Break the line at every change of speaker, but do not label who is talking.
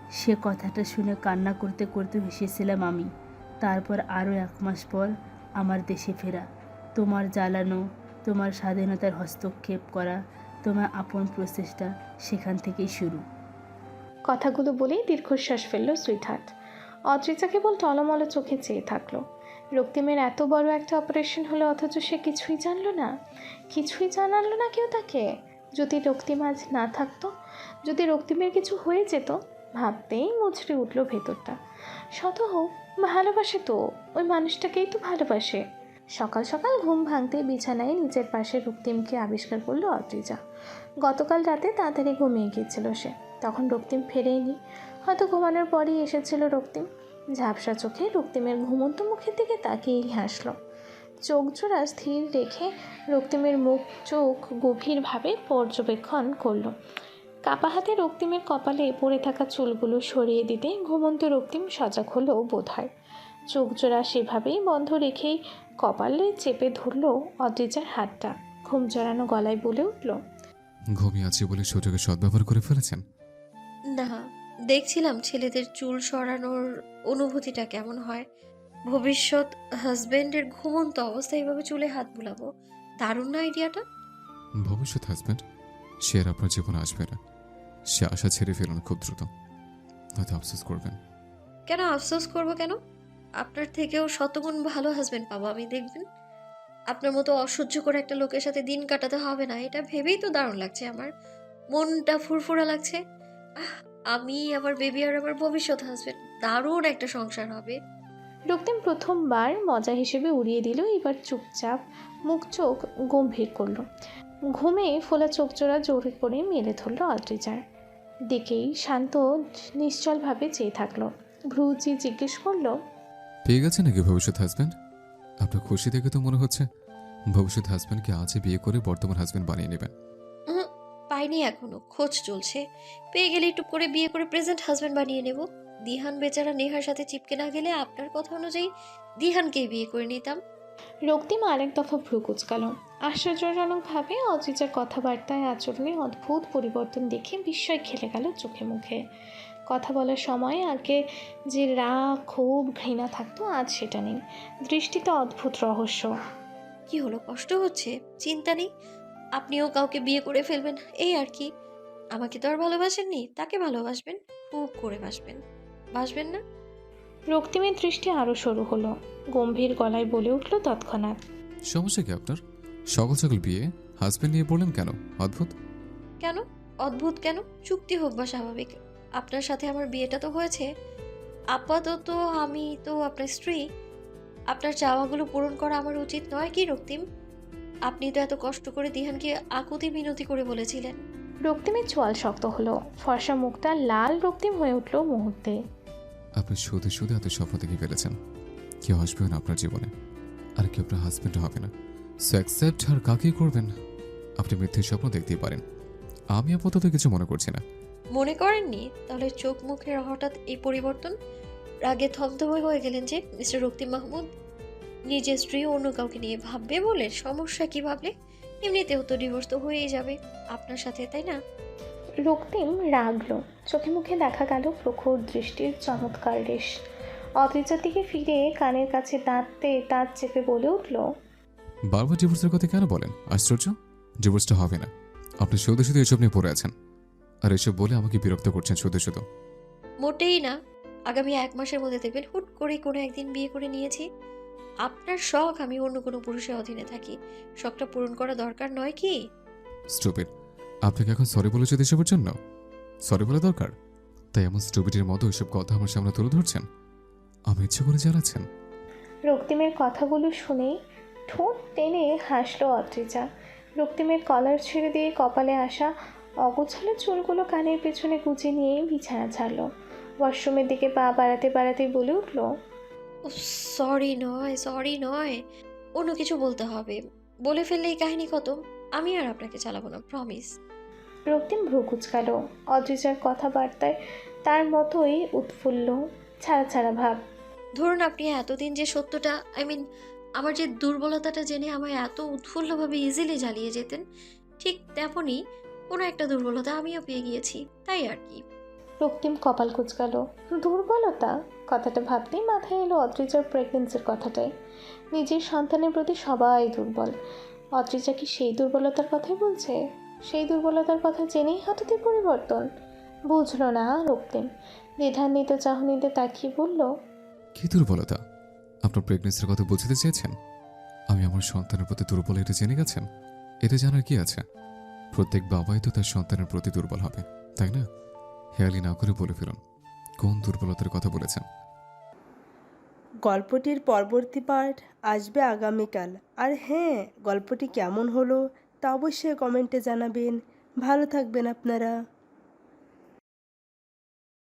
সে কথাটা শুনে কান্না করতে করতে হেসেছিলাম আমি। তারপর আরও 1 মাস পর আমার দেশে ফেরা, তোমার জ্বালানো, তোমার স্বাধীনতার হস্তক্ষেপ করা, তোমার আপন প্রচেষ্টা সেখান থেকেই শুরু।
কথাগুলো বলেই দীর্ঘশ্বাস ফেলল সুইটহার্ট। অদ্রিজা কেবল টলমল চোখে চেয়ে থাকলো। রক্তিমের এত বড় একটা অপারেশন হলো, অথচ সে কিছুই জানলো না, কিছুই জানালো না কেউ তাকে। যদি রক্তিম আজ না থাকতো, যদি রক্তিমের কিছু হয়ে যেত, ভাবতেই মুচড়ে উঠল ভেতরটা। শত হোক, ভালোবাসে তো, ওই মানুষটাকেই তো ভালোবাসে। সকাল সকাল ঘুম ভাঙতে বিছানায় নিজের পাশে রক্তিমকে আবিষ্কার করলো অদ্রিজা। গতকাল রাতে তাড়াতাড়ি ঘুমিয়ে গিয়েছিল সে, তখন রক্তিম ফেরেইনি। হয়তো ঘুমানোর পরই এসেছিল রক্তিম। ঝাপসা চোখে রক্তিমের ঘুমন্ত মুখের দিকে তাকিয়েই হাসল। চোখ জোড়া স্থির রেখে রক্তিমের মুখ চোখ গভীরভাবে পর্যবেক্ষণ করলো। কাপা হাতে রক্তিমের কপালে পড়ে থাকা চুলগুলো সরিয়ে দিতে ঘুমন্ত রক্তিম সজাগ হলো বোধহয়। চোখ জোড়া সেভাবেই বন্ধ রেখেই কপালে চেপে ধরল অদ্রিজার হাতটা। ঘুম জড়ানো গলায় বলে উঠল,
ঘুমিয়ে আছি বলে সুযোগে সদ্ব্যবহার করে ফেলেছেন।
না, দেখছিলাম ছেলেদের চুল সরানোর অনুভূতিটা কেমন হয়। ভবিষ্যৎ হাজবেন্ডের ঘুমন্ত অবস্থায় এভাবে চুলে হাত বুলাবো, দারুণ না আইডিয়াটা?
ভবিষ্যৎ হাজব্যান্ড সে আর আপনার জীবনে আসবে না। সে আশা ছেড়ে ফেলুন খুব দ্রুত, হয়তো আফসোস করবেন।
কেন আফসোস করবো কেন? আপনার থেকেও শতগুণ ভালো হাজবেন্ড পাবো আমি, দেখবেন। আপনার মতো অসহ্য করে একটা লোকের সাথে দিন কাটাতে হবে না, এটা ভেবেই তো দারুণ লাগছে আমার। মনটা ফুরফুরা লাগছে। আহ, আমি, আমার বেবি আর আমার ভবিষ্যৎ হাজবেন্ড, দারুণ একটা সংসার হবে।
রক্তিম প্রথমবার মজা হিসেবে উড়িয়ে দিল। এবার চুপচাপ মুখ চোখ গম্ভীর করলো। ঘুমে ফোলা চোখ জোড়া জোরে করে মেলে ধরল অদ্রিজার দিকেই। শান্ত নিশ্চলভাবে চেয়ে থাকলো। ভ্রুচি জিজ্ঞেস করলো,
পেয়ে গেছে নাকি ভবিষ্যৎ হাজব্যান্ড? আপনার খুশি দেখে তো মনে হচ্ছে ভবিষ্যৎ হাজব্যান্ডকে আজই বিয়ে করে বর্তমান হাজব্যান্ড বানিয়ে নেবেন।
উহুম, পাইনি এখনো, খোঁজ চলছে। পেয়ে গেলেই টুক করে বিয়ে করে প্রেজেন্ট হাজবেন্ড বানিয়ে নেব। দিহান বেচারা নেহার সাথে চিপকে না গেলে আপনার কথা অনুযায়ী দিহানকেই বিয়ে করে নিতাম।
রক্তিম আরেক দফা ভ্রু কুচকাল। আশ্চর্যজনকভাবে অদ্রিজার কথাবার্তায় আচরণে অদ্ভুত পরিবর্তন দেখে বিস্ময় খেলে গেল চোখে মুখে। কথা বলার সময় আগে যে রাগ ক্ষোভ ঘৃণা থাকতো, আজ সেটা নেই। দৃষ্টিতে অদ্ভুত রহস্য।
কি হলো, কষ্ট হচ্ছে? চিন্তা নেই, আপনিও কাউকে বিয়ে করে ফেলবেন, এই আর কি। আমাকে তো আর ভালোবাসেননি, তাকে ভালোবাসবেন, খুব করে বাসবেন। বাসবেন না?
রক্তিমের দৃষ্টি আরও সরু হলো। গম্ভীর গলায় বলে উঠল তৎক্ষণাৎ,
সমস্যা কি আপনার? সকাল সকাল বিয়ে, হাজব্যান্ড নিয়ে পড়লেন কেন? অদ্ভুত।
কেন অদ্ভুত কেন? চুক্তি হোক বা স্বাভাবিক, আপনার সাথে আমার বিয়েটা তো হয়েছে। আপাতত আমি তো আপনার স্ত্রী। আপনার চাওয়াগুলো পূরণ করা আমার উচিত নয় কি রক্তিম? আপনি তো এত কষ্ট করে দিহানকে আকুতি মিনতি করে বলেছিলেন।
রক্তিমের চোয়াল শক্ত হলো। ফর্সা মুখটা লাল রক্তিম হয়ে উঠল মুহূর্তে।
আপনি শুধু শুধু এত স্বপ্ন দেখে ফেলেছেন। কেউ আসবেও না আপনার জীবনে, আর কেউ আপনার হাজব্যান্ডও হবে না। সো অ্যাকসেপ্ট আর কাকেই করবেন? আপনি মিথ্যে স্বপ্ন দেখতেই পারেন, আমি আপাতত কিছু মনে করছি না।
মনে করেননি? তাহলে চোখ মুখের হঠাৎ এই পরিবর্তন? রাগে থমথমে হয়ে গেলেন যে মিস্টার রক্তিম মাহমুদ? নিজের স্ত্রী অন্য কাউকে নিয়ে ভাববে বলে? সমস্যা কি ভাবলে? এমনিতেও তো ডিভোর্স তো হয়েই যাবে আপনার সাথে, তাই না?
রক্তিম রাগল। চোখে মুখে দেখা গেল প্রখর দৃষ্টির চমৎকার রেশ। অদ্রিজার দিকে ফিরে কানের কাছে দাঁতে দাঁত চেপে বলে উঠল,
বারবার ডিভোর্সের কথা কেন বলেন? আশ্চর্য, ডিভোর্সটা হবে না। আপনি শুধু শুধু এসব নিয়ে পড়ে আছেন, আর এসব বলে আমাকে বিরক্ত করছেন শুধু শুধু।
মোটেই না। আগামী 1 মাসের মধ্যে দেখবেন হুট করে কোনো একদিন বিয়ে করে নিয়েছি। আপনার শখ আমি অন্য কোনো পুরুষের অধীনে থাকি, শখটা পূরণ করা দরকার নয় কি?
স্টুপিড। আপনাকে এখন সরি বলেছে এসবের জন্য? সরি বলা দরকার? তাই এমন স্টুপিডের মতো এসব কথা আমার সামনে তুলে ধরছেন? আমি ইচ্ছে করে জানাচ্ছেন?
রক্তিমের কথাগুলো শুনেই ঠোঁট টেনে হাসল অদ্রিজা। রক্তিমের কলার ছেড়ে দিয়ে কপালে আসা অগোছালো চুলগুলো কানের পেছনে গুজে নিয়ে বিছানা ছাড়ল। ওয়াশরুমের দিকে পা বাড়াতে বাড়াতেই বলে উঠল,
সরি নয়, সরি নয়, অন্য কিছু বলতে হবে। বলে ফেললে এই কাহিনী খতম। আমি আর আপনাকে চালাবো না, প্রমিস।
রক্তিম ভ্রু কুচকাল। অদ্রিজার কথাবার্তায় তার মতোই উৎফুল্ল, ছাড়া ছাড়া ভাব।
ধরুন আপনি এতদিন যে সত্যটা, আমার যে দুর্বলতাটা জেনে আমায় এত উৎফুল্লভাবে ইজিলি জ্বালিয়ে যেতেন, ঠিক তেমনই কোনো একটা দুর্বলতা আমিও পেয়ে গিয়েছি, তাই আর কি।
রক্তিম কপাল কুঁচকাল। দুর্বলতা কথাটা ভাবতেই মাথায় এলো অদ্রিজার প্রেগনেন্সির কথাটাই। নিজের সন্তানের প্রতি সবাই দুর্বল, অদ্রিজা কি সেই দুর্বলতার কথাই বলছে? সেই দুর্বলতার কথা জেনেই হঠাৎই পরিবর্তন। বুঝল না রক্তিম, দ্বিধান্বিত চাহনিতে তাকিয়ে বলল,
কি দুর্বলতা? আপনার প্রেগনেন্সির কথা বুঝতে চেয়েছেন? আমি আমার সন্তানের প্রতি দুর্বল এটা জেনে গেছেন? এতে জানার কি আছে? প্রত্যেক বাবাই তো তার সন্তানের প্রতি দুর্বল হবে, তাই না? হেয়ালি না করে বলে ফেলুন, কোন দুর্বলতার কথা বলেছেন?
গল্পটির পরবর্তী পার্ট আসবে আগামীকাল। আর হ্যাঁ, গল্পটি কেমন হলো তা অবশ্যই কমেন্টে জানাবেন। ভালো থাকবেন আপনারা।